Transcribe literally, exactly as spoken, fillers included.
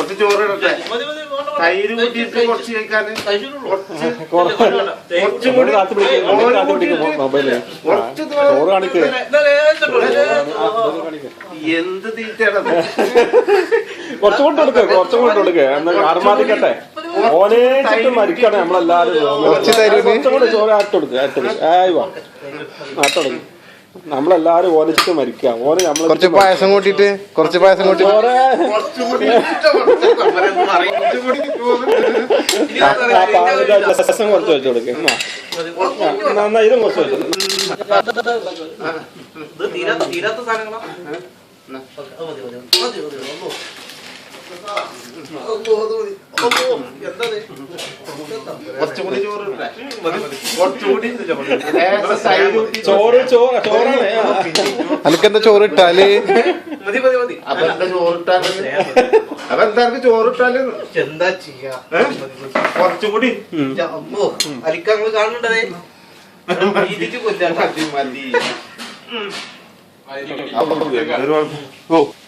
കുറച്ച് ചോറ് ഇടട്ടെ, തൈര് കൂട്ടിയിട്ട് കുറച്ച് കഴിക്കാന്, കുറച്ചും കൂടി എന്ത് തീറ്റയാണത്? കുറച്ചുകൊണ്ട് കൊടുക്ക കുറച്ചുകൊണ്ട് കൊടുക്ക ആർമാദിക്കട്ടെ. ഓനേച്ചിട്ട് മരിക്കണേ നമ്മളെല്ലാരും. കുറച്ചും കൂടെ ചോറ് ആട്ടൊടുക്കുക ആട്ടൊടുക്കുക ആയി വാ ആട്ടൊടുക്കുക. നമ്മളെല്ലാരും ഓനിച്ചിട്ട് മരിക്കാം. ഓന് നമ്മള് കുറച്ച് പായസം കൂട്ടിട്ട് കുറച്ച് പായസം കൂട്ടി രസം കുറച്ച് വെച്ച് കൊടുക്കുക. എന്നാ ഇതും കുറച്ച് വെച്ചു. കുറച്ചുകൂടി ചോറ് കുറച്ചുകൂടി ചോറ് ചോറ് ചോറാണ്. അനക്കെന്താ ചോറ് ഇട്ടാല്? അപ്പൊ എന്താ ചോറിട്ടാല്? അപ്പൊ എന്താ ചോറിട്ടാല്? എന്താ ചെയ്യാ? കുറച്ചുകൂടി അലിക്കങ്ങള് കാണണ്ടേ? മതി മതി.